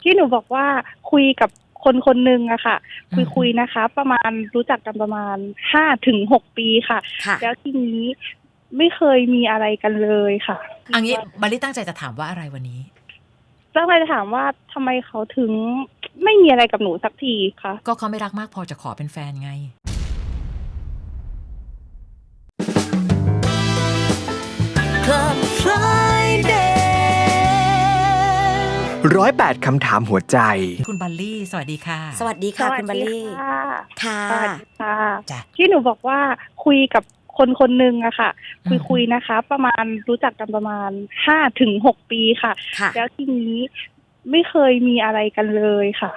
ที่หนูบอกว่าคุยกับคนคนหนึ่งอะค่ะคุยนะคะประมาณรู้จักกันประมาณ5 ถึง 6 ปีค่ะแล้วทีนี้ไม่เคยมีอะไรกันเลยค่ะอันนี้บัลลี่ตั้งใจจะถามว่าอะไรวันนี้ตั้งใจจะถามว่าทำไมเขาถึงไม่มีอะไรกับหนูสักทีคะก็เขาไม่รักมากพอจะขอเป็นแฟนไง Club Friday 108 คำถามหัวใจคุณบัลลี่สวัสดีค่ะสวัสดีค่ะคุณบัลลี่ค่ะจ้ะที่หนูบอกว่าคุยกับคนคนหนึ่งอะค่ะคุยนะคะประมาณรู้จักกันประมาณ5 ถึง 6 ปีค่ะแล้วทีนี้ไม่เคยมีอะไรกันเลยค่ะ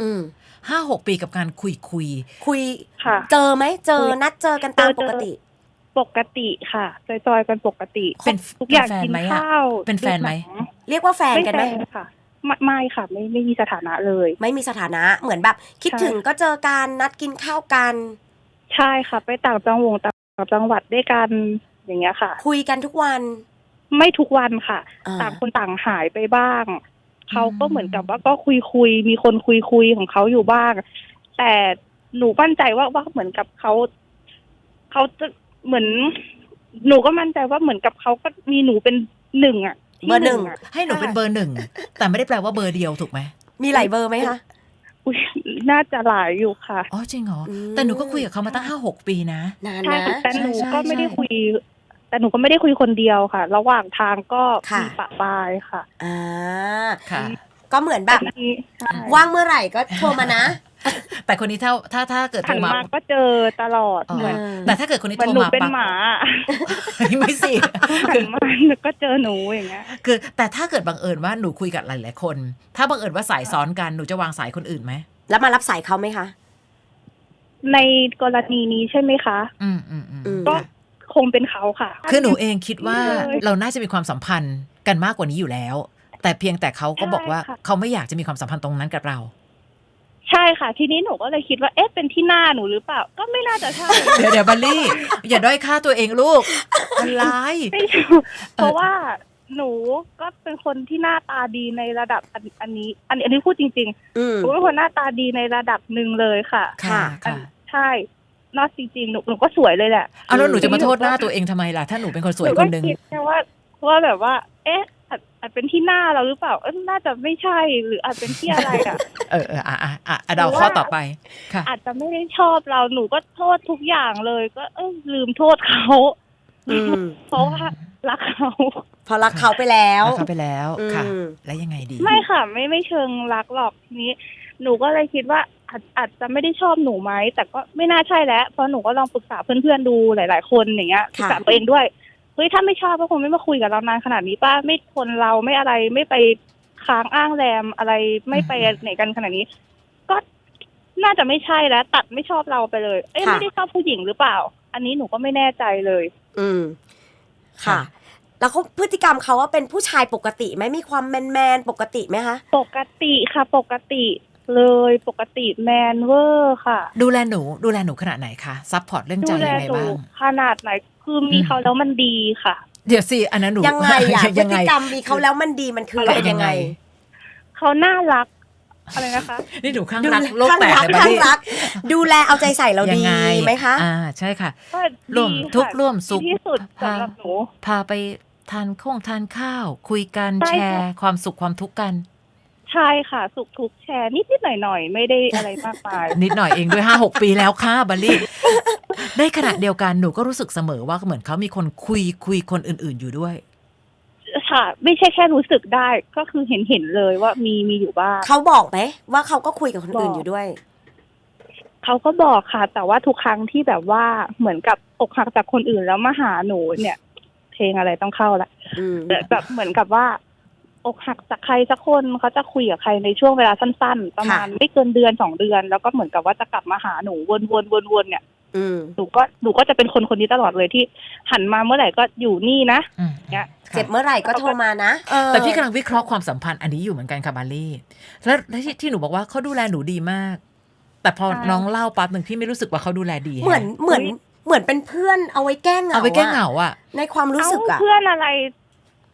5-6 ปีกับการคุยค่ะเจอไหมเจอนัดเจอกันตามปกติค่ะจอยๆกันปกติเป็นทุกอย่างกินข้าวเป็นแฟนไหมเรียกว่าแฟนกันไหมค่ะไม่ค่ะไม่มีสถานะเลยไม่มีสถานะเหมือนแบบคิดถึงก็เจอกันนัดกินข้าวกันใช่ค่ะไปต่างจังหวัดด้วยกันอย่างเงี้ยค่ะคุยกันทุกวันไม่ทุกวันค่ะต่างคนต่างหายไปบ้างเขาก็เหมือนกับว่าก็คุยมีคนคุยของเขาอยู่บ้างแต่หนูมั่นใจว่าเหมือนกับเขาจะเหมือนหนูก็มั่นใจว่าเหมือนกับเขาก็มีหนูเป็นหนึ่งอะเบอร์หนึ่งให้หนูเป็นเบอร์หนึ่งแต่ไม่ได้แปลว่าเบอร์เดียวถูกไหมมีหลายเบอร์ไหมคะน่าจะหลายอยู่ค่ะอ๋อจริงเหรอแต่หนูก็คุยกับเขามาตั้ง5-6 ปีนะใช่แต่หนูก็ไม่ได้คุยคนเดียวค่ะระหว่างทางก็มีปะปายค่ะค่ะก็เหมือนแบบว่างเมื่อไหร่ก็โทรมานะแต่คนนี้ถ้าเกิดโทรมาก็เจอตลอดเหมือนแต่ถ้าเกิดคนนี้โทรมาเป็นหมาไม่สิคือมาก็เจอหนูอย่างเงี้ยคือแต่ถ้าเกิดบังเอิญว่าหนูคุยกับหลายๆคนถ้าบังเอิญว่าสายซ้อนกันหนูจะวางสายคนอื่นไหมแล้วมารับสายเขาไหมคะในกรณีนี้ใช่ไหมคะก็คงเป็นเขาค่ะคือหนูเองคิดว่าเราน่าจะมีความสัมพันธ์กันมากกว่านี้อยู่แล้วแต่เพียงแต่เขาก็บอกว่าเขาไม่อยากจะมีความสัมพันธ์ตรงนั้นกับเราใช่ค่ะทีนี้หนูก็เลยคิดว่าเอ๊ะเป็นที่หน้าหนูหรือเปล่าก็ไม่น่าจะใช่เดี๋ยวบัลลี่อย่าด้อยค่าตัวเองลูกอะไรเพราะว่าหนูก็เป็นคนที่หน้าตาดีในระดับอันนี้พูดจริงๆหนูเป็นคนหน้าตาดีในระดับหนึ่งเลยค่ะใช่นอกจริงๆหนูก็สวยเลยแหละเอาแล้วหนูจะมาโทษหน้าตัวเองทำไมล่ะถ้าหนูเป็นคนสวยคนนึงแค่ว่าแบบว่าเอ๊ะอาจเป็นที่หน้าเราหรือเปล่าน่าจะไม่ใช่หรืออาจเป็นที่อะไรอ่ะเดาข้อต่อไปค่ะอาจจะไม่ได้ชอบเราหนูก็โทษทุกอย่างเลยก็ลืมโทษเขาเพราะว่ารักเขาพอรักเขาไปแล้วค่ะแล้วยังไงดีไม่ค่ะไม่เชิงรักหรอกทีนี้หนูก็เลยคิดว่าอาจจะไม่ได้ชอบหนูไหมแต่ก็ไม่น่าใช่แล้วเพราะหนูก็ลองปรึกษาเพื่อนๆดูหลายๆคนอย่างเงี้ยปรึกษาตัวเองด้วยเฮ้ยถ้าไม่ชอบก็คงไม่มาคุยกับเรานานขนาดนี้ป้าไม่ทนเราไม่อะไรไม่ไปค้างอ้างแรมอะไรไม่ไปไหนกันขนาดนี้ก็น่าจะไม่ใช่แล้วตัดไม่ชอบเราไปเลยไม่ได้ชอบผู้หญิงหรือเปล่าอันนี้หนูก็ไม่แน่ใจเลยค่ะแล้วเขาพฤติกรรมเขาว่าเป็นผู้ชายปกติไหมมีความแมนปกติไหมคะปกติค่ะปกติเลยปกติแมนเวอร์ค่ะดูแลหนูขนาดไหนคะซัพพอร์ตเรื่องใจยังไงบ้างขนาดไหนคือมีเขาแล้วมันดีค่ะเดี๋ยวสิอันนั้นหนูยังไงพฤติกรรมมีเขาแล้วมันดีมันคือยังไงเขาน่ารักอะไรนะคะนี่หนูข้างรักโลกแตกเลยข้างรักดูแลเอาใจใส่เราดีไหมคะใช่ค่ะร่วมทุกข์ร่วมสุขที่สุดสำหรับหนูพาไปทานข้าวคุยกันแชร์ความสุขความทุกข์กันใช่ค่ะสุขทุกแชร์นิดหน่อยไม่ได้อะไรมากมายนิดหน่อยเองด้วย5-6 ปีแล้วค่ะบัลลี่ได้ขณะเดียวกันหนูก็รู้สึกเสมอว่าเหมือนเขามีคนคุยคนอื่นๆอยู่ด้วยค่ะไม่ใช่แค่รู้สึกได้ก็คือเห็นเลยว่ามีอยู่บ้างเขาบอกไหมว่าเขาก็คุยกับคนอื่นอยู่ด้วยเขาก็บอกค่ะแต่ว่าทุกครั้งที่แบบว่าเหมือนกับอกหักจากคนอื่นแล้วมาหาหนูเนี่ยเพลงอะไรต้องเข้าละแบบเหมือนกับว่าอกหักจากใครสักคนเขาจะคุยกับใครในช่วงเวลาสั้นๆประมาณไม่เกินเดือน2 เดือนแล้วก็เหมือนกับว่าจะกลับมาหาหนูวนเนี่ยหนูก็จะเป็นคนนี้ตลอดเลยที่หันมาเมื่อไหร่ก็อยู่นี่นะเนี่ยเจ็บเมื่อไหร่ก็โทรมานะแต่พี่กำลังวิเคราะห์ความสัมพันธ์อันนี้อยู่เหมือนกันค่ะบัลลี่แล้วที่หนูบอกว่าเขาดูแลหนูดีมากแต่พอน้องเล่าปั๊บหนึ่งพี่ไม่รู้สึกว่าเขาดูแลดีเหมือนเป็นเพื่อนเอาไว้แก้เหงาอ่ะในความรู้สึกอ่ะเพื่อนอะไร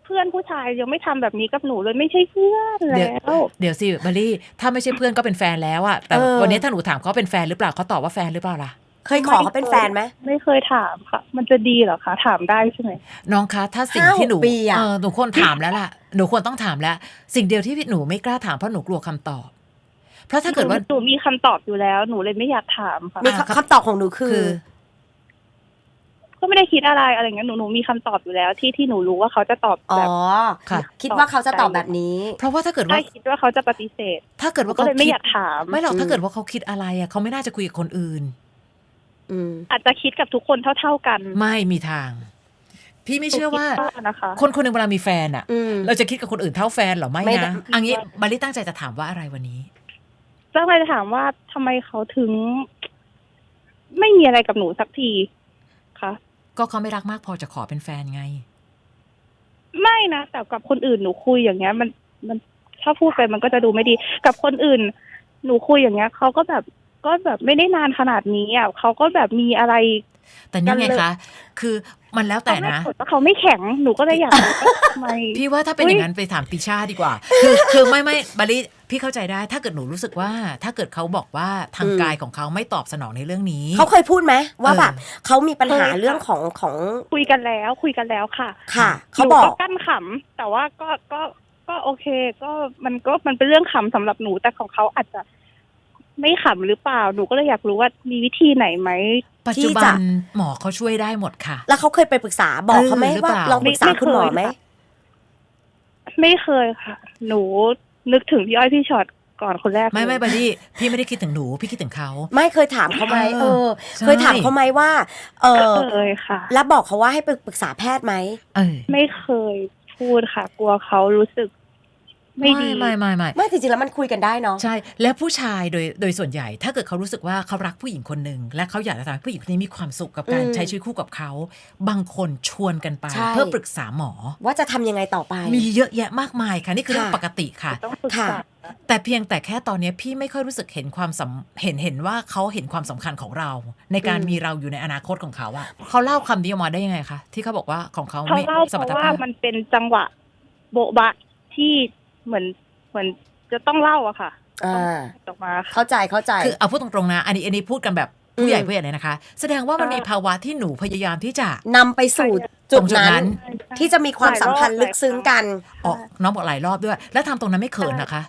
เพื่อนผู้ชายยังไม่ทำแบบนี้กับหนูเลยไม่ใช่เพื่อนแล้วเดี๋ยวสิบัลลี่ถ้าไม่ใช่เพื่อนก็เป็นแฟนแล้วอะแต่วันนี้ถ้าหนูถามเขาเป็นแฟนหรือเปล่าเขาตอบว่าแฟนหรือเปล่าล่ะเคยขอเขาเป็นแฟนไหมไม่เคยถามค่ะ มันจะดีเหรอคะถามได้ใช่ไหมน้องคะถ้าสิ่งที่หนู 5-6 ปีอะหนูควรถามแล้วล่ะหนูควรต้องถามแล้ว สิ่งเดียวที่หนูไม่กล้าถามเพราะหนูกลัวคำตอบ เพราะถ้าเกิดว่าหนูมีคำตอบอยู่แล้วหนูเลยไม่อยากถามค่ะมีคำตอบของหนูคือก็ไม่ได้คิดอะไรเงี้ยหนูมีคำตอบอยู่แล้วที่หนูรู้ว่าเขาจะตอบอ๋อแบบค่ะคิดว่าเขาจะตอบแบบนี้เพราะว่าถ้าเกิดว่าได้คิดว่าเขาจะปฏิเสธถ้าเกิดว่าก็เขาเลยไม่คิดอยากถามไม่หรอกถ้าเกิดว่าเขาคิดอะไรอะเขาไม่น่าจะคุยกับคนอื่นอืมอาจจะคิดกับทุกคนเท่ากันไม่มีทาง พี่ไม่เชื่อว่าหนูคิดนะคะคนคนหนึ่งเวลามีแฟนอะอืมเราจะคิดกับคนอื่นเท่าแฟนเหรอไม่ไม่ได้นะอันนี้บัลลี่ตั้งใจจะถามว่าอะไรวันนี้ก็เลยถามว่าทำไมเขาถึง ไม่มีอะไรกับหนูสักทีคะก็เขาไม่รักมากพอจะขอเป็นแฟนไงไม่นะแต่กับคนอื่นหนูคุยอย่างเงี้ย มันถ้าพูดไปมันก็จะดูไม่ดี กับคนอื่น หนูคุยอย่างเงี้ยเขาก็แบบไม่ได้นานขนาดนี้อ่ะเขาก็แบบมีอะไรแต่นี่ไงคะคือมันแล้วแต่นะเขาไม่แข็งหนูก็เลยอยากรู้ว่าทำไมพี่ว่าถ้าเป็นอุ๊ยอย่างนั้นไปถามติช่าดีกว่า คือไม่บาลิพี่เข้าใจได้ ถ้าเกิดหนูรู้สึกว่า ถ้าเกิดเขาบอกว่าทางกายของเขาไม่ตอบสนองในเรื่องนี้เขาเคยพูดไหมว่าแบบเขามีปัญหาเคยค่ะเรื่องของคุยกันแล้วค่ะค่ะหเขานูบอกก็กั้นขำแต่ว่าก็โอเค ก็มันเป็นเรื่องขำสำหรับหนูแต่ของเขาอาจจะไม่ขำหรือเปล่าหนูก็เลยอยากรู้ว่ามีวิธีไหนไหมปัจจุบันหมอเขาช่วยได้หมดค่ะแล้วเขาเคยไปปรึกษาบอกเขาไหมหรือว่าเปล่าลองปรึกษาคุณหมอไหมไม่เคยค่ะ หนูนึกถึงพี่อ้อยพี่ช็อตก่อนคนแรกไม่เลยบาลิพี่ไม่ได้คิดถึงหนูพี่คิดถึงเขาไม่เคยถามเขาไหมใช่เคยถามเขาไหมว่าเคยค่ะแล้วบอกเขาว่าให้ไปปรึกษาแพทย์ไหมไม่เคยพูดค่ะ กลัวเขารู้สึก ไม่ดีไม่ไม่จริงๆแล้วมันคุยกันได้เนาะใช่ แล้วผู้ชายโดยส่วนใหญ่ ถ้าเกิดเขารู้สึกว่าเขารักผู้หญิงคนหนึ่งและเขาอยากจะทำให้ผู้หญิงคนนี้มีความสุขกับการใช้ชีวิตคู่กับเขา บางคนชวนกันไปใช่เพื่อปรึกษาหมอว่าจะทำยังไงต่อไปมีเยอะแยะมากมายค่ะนี่คือเรื่องปกติค่ะต้องปรึกษาแต่เพียงแต่แค่ตอนนี้พี่ไม่ค่อยรู้สึกเห็นความเห็นว่าเขาเห็นความสำคัญของเรา ในการมีเราอยู่ในอนาคตของเขาอะเขาเล่าคำนี้ออกมาได้ยังไงคะที่เขาบอกว่าของเขาเขาไม่เล่าสเพมรรถราะว่าภาพมันเป็นจังหวะโบ๊ะบะที่เหมือนจะต้องเล่าอะค่ะอ่าออกมาค่ะเข้าใจคือเอาพูดตรงๆนะอันนี้พูดกันแบบผู้ใหญ่เลยนะคะ แสดงว่ามันมีภาวะที่หนูพยายามที่จะนำไปสู่จุดตรงจุดนั้นั้นนที่จะมีความสัมพันธ์ลึกซึ้งกันออกน้องบอกหลายรอบด้วย แล้วทำตรงนั้นไม่เขินนะคะ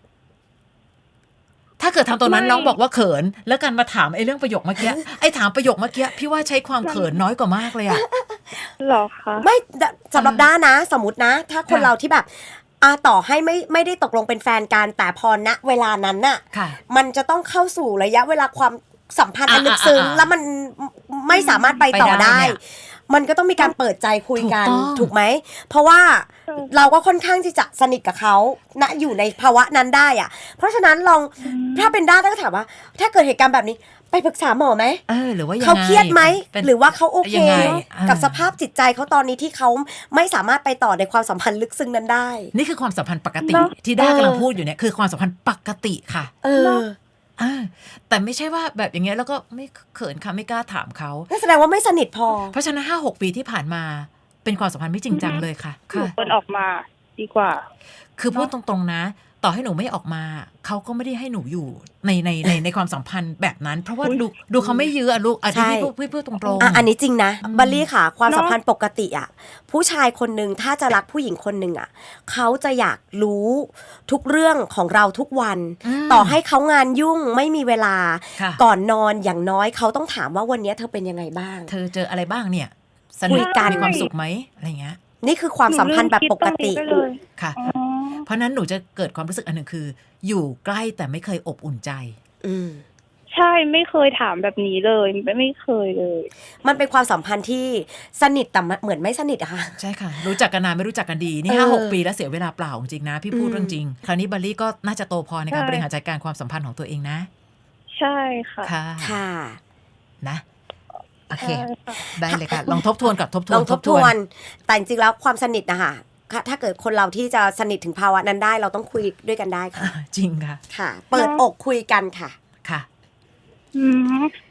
ถ้าเกิดทำตรงนั้นน้องบอกว่าเขิน แล้วกันมาถามไอ้เรื่องประโยคเมื่อกี้ไอ้ถามประโยคเมื่อกี้พี่ว่าใช้ความเขินน้อยกว่ามากเลยอะหรอคะไม่สำหรับด้านะ สมมตินะ ถ้าคนค่ะเราที่แบบต่อให้ไม่ได้ตกลงเป็นแฟนกันแต่พอณเวลานั้นน่ะค่ะมันจะต้องเข้าสู่ระยะเวลาความสัมพันธ์อันลึกซึ้ง แล้วมันไม่สามารถไปต่อไปได้ได้เนี่ยมันก็ต้องมีการเปิดใจคุยกันถูกต้องถูกไหม เพราะว่าเราก็ค่อนข้างที่จะสนิทกับเขาณอยู่ในภาวะนั้นได้อะเพราะฉะนั้นลองถ้าเป็นด้าก็ถามว่า ถ้าเกิดเหตุการณ์แบบนี้ไปปรึกษาหมอไหมหรือว่ายังไงเขาเครียดไหมเป็นหรือว่าเขาโอเคยังไงกับสภาพจิตใจเขาตอนนี้ที่เขาไม่สามารถไปต่อในความสัมพันธ์ลึกซึ้งนั้นได้นี่คือความสัมพันธ์ปกติเนอะที่ด้ากำลังพูดอยู่เนี่ยคือความสัมพันธ์ปกติค่ะ แต่ไม่ใช่ว่าแบบอย่างเงี้ยแล้วก็ไม่เขินค่ะไม่กล้าถามเขานั่นแสดงว่าไม่สนิทพอเพราะฉะนั้น5-6 ปีที่ผ่านมาเป็นความสัมพันธ์ไม่จริงจังเลยค่ะหนูค่ะควรออกมาดีกว่าคือพูดตรงๆนะ ต่อให้หนูไม่ออกมาเขาก็ไม่ได้ให้หนูอยู่ในความสัมพันธ์แบบนั้น เพราะว่าดูเขาไม่ยื้ออะลูกอันใช่นี้พี่พูดตรงๆอันนี้จริงนะอืมบัลลี่ค่ะ ความสัมพันธ์ปกติอ่ะผู้ชายคนหนึ่งถ้าจะรักผู้หญิงคนหนึ่งอ่ะเขาจะอยากรู้ทุกเรื่องของเราทุกวันมต่อให้เขางานยุ่งไม่มีเวลาค่ะก่อนนอนอย่างน้อยเขาต้องถามว่าวันนี้เธอเป็นยังไงบ้างเธอเจออะไรบ้างเนี่ยสคุนุยกกันมีความสุขไหมอะไรเงี้ยนี่คือความสัมพันธ์แบบปกติหนูลืมคิดตรงนี้ไปเลยค่ะอ๋อเพราะฉะนั้นหนูจะเกิดความรู้สึกอันหนึ่งคือ อยู่ใกล้แต่ไม่เคยอบอุ่นใจอืมใช่ไม่เคยถามแบบนี้เลยไม่เคยเลยมันเป็นความสัมพันธ์ที่สนิทแต่เหมือนไม่สนิทอะค่ะใช่ค่ะ รู้จักกันนานไม่รู้จักกันดี นี่ 5-6 ปีแล้วเสียเวลาเปล่าจริงๆนะ พี่พูดเรื่องจริง คราวนี้บัลลี่ก็น่าจะโตพอในการใช่บริหารจัดการความสัมพันธ์ของตัวเองนะใช่ค่ะค่ะค่ะนะโอเคใช่ค่ะได้เลยค่ะ ลองทบทวนกับทบทลวอน งทบทวน แต่จริงๆแล้วความสนิทนะคะถ้าเกิดคนเราที่จะสนิทถึงภาวะนั้นได้ เราต้องคุยด้วยกันได้ค่ะจริงค่ะค่ะ เปิดอกคุยกันค่ะค่ะอืม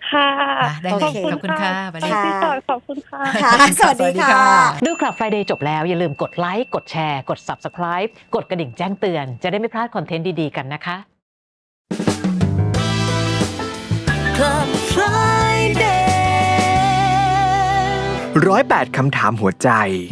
ค่ะได้โอเลยเคขอบคุณค่ะสวัสดีค่ะค่ะพี่ต่อยขอบคุณค่ะค่ะ สวัสดีค่ะดูคลับ Friday จบแล้วอย่าลืมกดไลค์กดแชร์กด Subscribe กดกระดิ่งแจ้งเตือนจะได้ไม่พลาดคอนเทนต์ดีๆกันนะคะ Club Friday 108 คำถามหัวใจ